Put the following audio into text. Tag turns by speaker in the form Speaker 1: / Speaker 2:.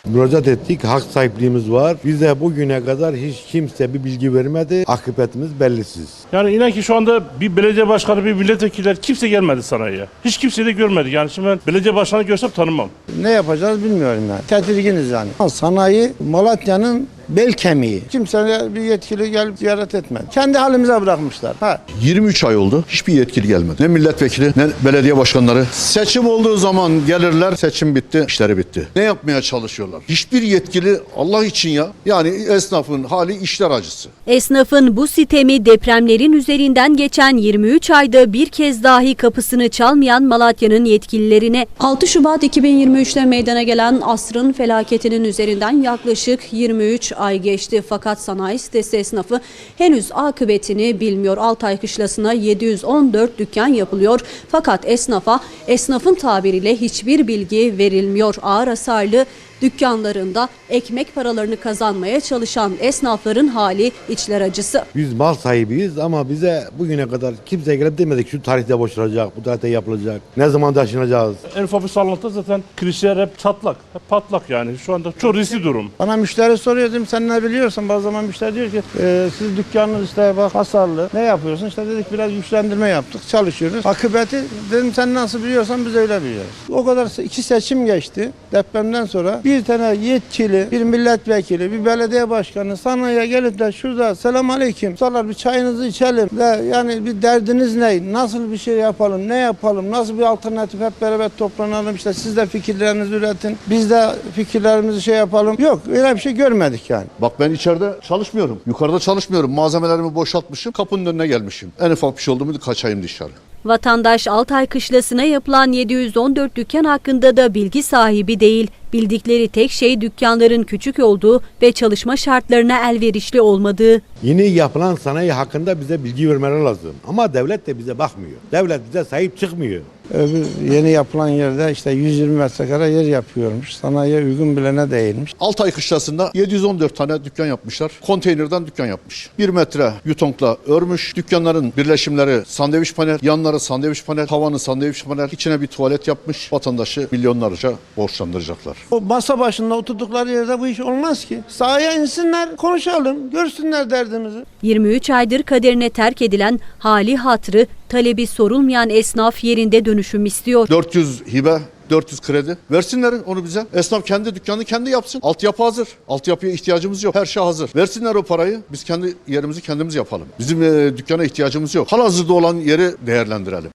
Speaker 1: Müracaat ettik, hak sahipliğimiz var. Bize bugüne kadar hiç kimse bir bilgi vermedi. Akıbetimiz bellisiz.
Speaker 2: Yani inan ki şu anda bir belediye başkanı, bir milletvekiller kimse gelmedi sanayiye. Hiç kimseyi de görmedik. Yani şimdi ben belediye başkanı görsem tanımam.
Speaker 3: Ne yapacağız bilmiyorum yani. Tedirginiz yani. Sanayi Malatya'nın bel kemiği. Kimse bir yetkili gelip ziyaret etmedi. Kendi halimize bırakmışlar.
Speaker 4: 23 ay oldu. Hiçbir yetkili gelmedi. Ne milletvekili ne belediye başkanları. Seçim olduğu zaman gelirler. Seçim bitti, işleri bitti. Ne yapmaya çalışıyorlar? Hiçbir yetkili Allah için ya. Yani esnafın hali işler acısı.
Speaker 5: Esnafın bu sitemi depremlerin üzerinden geçen 23 ayda bir kez dahi kapısını çalmayan Malatya'nın yetkililerine
Speaker 6: 6 Şubat 2023'te meydana gelen asrın felaketinin üzerinden yaklaşık 23 ay geçti. Fakat sanayi sitesi esnafı henüz akıbetini bilmiyor. Altay Kışlası'na 714 dükkan yapılıyor. Fakat esnafın tabiriyle hiçbir bilgi verilmiyor. Ağır hasarlı dükkanlarında ekmek paralarını kazanmaya çalışan esnafların hali içler acısı.
Speaker 1: Biz mal sahibiyiz ama bize bugüne kadar kimse gelip demedik şu tarihte boşalacak, bu tarihte yapılacak, ne zaman taşınacağız.
Speaker 2: En ufak bir sallantıda zaten kirişler hep çatlak, hep patlak yani. Şu anda çok riskli durum.
Speaker 3: Bana müşteri soruyor, dedim sen ne biliyorsun? Bazı zaman müşteri diyor ki siz dükkanınız işte bak hasarlı. Ne yapıyorsun? İşte dedik biraz güçlendirme yaptık, çalışıyoruz. Akıbeti dedim sen nasıl biliyorsan biz öyle biliyoruz. O kadar 2 seçim geçti depremden sonra. Bir tane yetkili, bir milletvekili, bir belediye başkanı sanayiye gelip de şurada selam aleyküm, sorular bir çayınızı içelim de yani bir derdiniz ne? Nasıl bir şey yapalım? Ne yapalım? Nasıl bir alternatif hep beraber toplanalım? İşte siz de fikirlerinizi üretin. Biz de fikirlerimizi yapalım. Yok öyle bir şey görmedik yani.
Speaker 4: Bak ben içeride çalışmıyorum. Yukarıda çalışmıyorum. Malzemelerimi boşaltmışım. Kapının önüne gelmişim. En ufak bir şey oldu mu kaçayım dışarı.
Speaker 5: vatandaş Altay Kışlası'na yapılan 714 dükkan hakkında da bilgi sahibi değil. Bildikleri tek şey dükkanların küçük olduğu ve çalışma şartlarına elverişli olmadığı.
Speaker 1: Yeni yapılan sanayi hakkında bize bilgi vermeleri lazım. Ama devlet de bize bakmıyor. Devlet bize sahip çıkmıyor.
Speaker 3: Yeni yapılan yerde işte 120 metrekare yer yapıyormuş. Sanayiye uygun bilene değilmiş.
Speaker 4: Altay Kışlası'nda 714 tane dükkan yapmışlar. Konteynerden dükkan yapmış. 1 metre yutonkla örmüş. Dükkanların birleşimleri sandviç panel, yanları sandviç panel, tavanı sandviç panel, içine bir tuvalet yapmış. Vatandaşı milyonlarca borçlandıracaklar.
Speaker 3: O masa başında oturdukları yerde bu iş olmaz ki. Sahaya insinler, konuşalım, görsünler derdimizi.
Speaker 5: 23 aydır kaderine terk edilen hali hatrı, talebi sorulmayan esnaf yerinde dönüşüm istiyor.
Speaker 4: 400 hibe, 400 kredi. Versinler onu bize. Esnaf kendi dükkanını kendi yapsın. Altyapı hazır. Altyapıya ihtiyacımız yok. Her şey hazır. Versinler o parayı. Biz kendi yerimizi kendimiz yapalım. Bizim dükkana ihtiyacımız yok. Halihazırda olan yeri değerlendirelim.